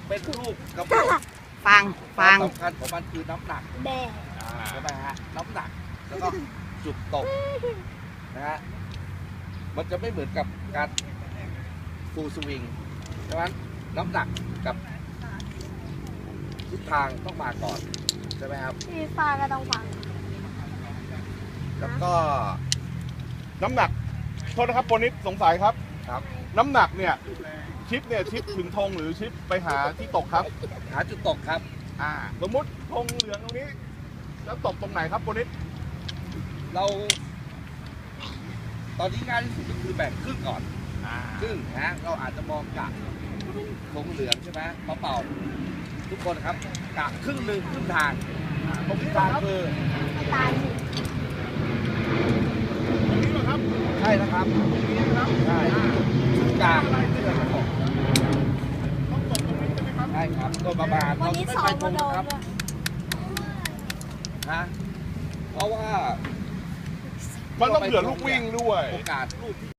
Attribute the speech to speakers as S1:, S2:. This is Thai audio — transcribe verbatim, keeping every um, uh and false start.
S1: เป็นลูกกระบอก
S2: ฟังฟัง
S1: สำคัญของมันคือน้ำหนัก
S3: แบ่
S1: ใช่ไหมฮะน้ำหนักแล้วก็จุดตกนะฮะมันจะไม่เหมือนกับการฟูลสวิงดังนั้นน้ำหนักกับทิศทางต้องมาก่อนใช่ไหมครับ
S3: พี่ฟ้าก็ต้องฟัง
S1: แล้วก็
S4: น้ำหนักโทษนะครับโปรนิดสงสัยครับ
S1: ครับ
S4: น้ำหนักเนี่ยชิปเนี่ยชิปถึงธงหรือชิปไปหาที่ตกครับ
S1: หาจุดตกครับ
S4: อ่า สมมุติธงเหลืองตรงนี้ แล้วตกตรงไหนครับโปรนิด
S1: เรา ตอนนี้ง่ายที่สุดก็คือแบ่งครึ่งก่อน
S4: อ่า
S1: ครึ่งนะฮะเราอาจจะมองกะธงเหลืองใช่ไหมเป่าเป่าทุกคนครับกะครึ่งหนึ่งครึ่งทางตรงกลางคือ
S3: ไม่ตายสิ
S4: ตรงนี้เหรอครับ
S1: ใช่นะครับ
S4: ตรงนี้นะครับ
S1: ใช่กลางที่เราจะตก
S4: ต้องตกตรงนี้ใช่ไหมครับ
S1: ใช่ครับโดยประมาณ
S3: วันนี้
S1: ไม่
S3: สอ
S1: ไป
S3: ง
S1: ตร
S3: มาง โดน
S1: ครับ
S3: ด้วย
S1: ฮะเพราะว่า
S4: มันต้องเผื่อลูกวิ่งด้วย
S1: โอกาสลูกที่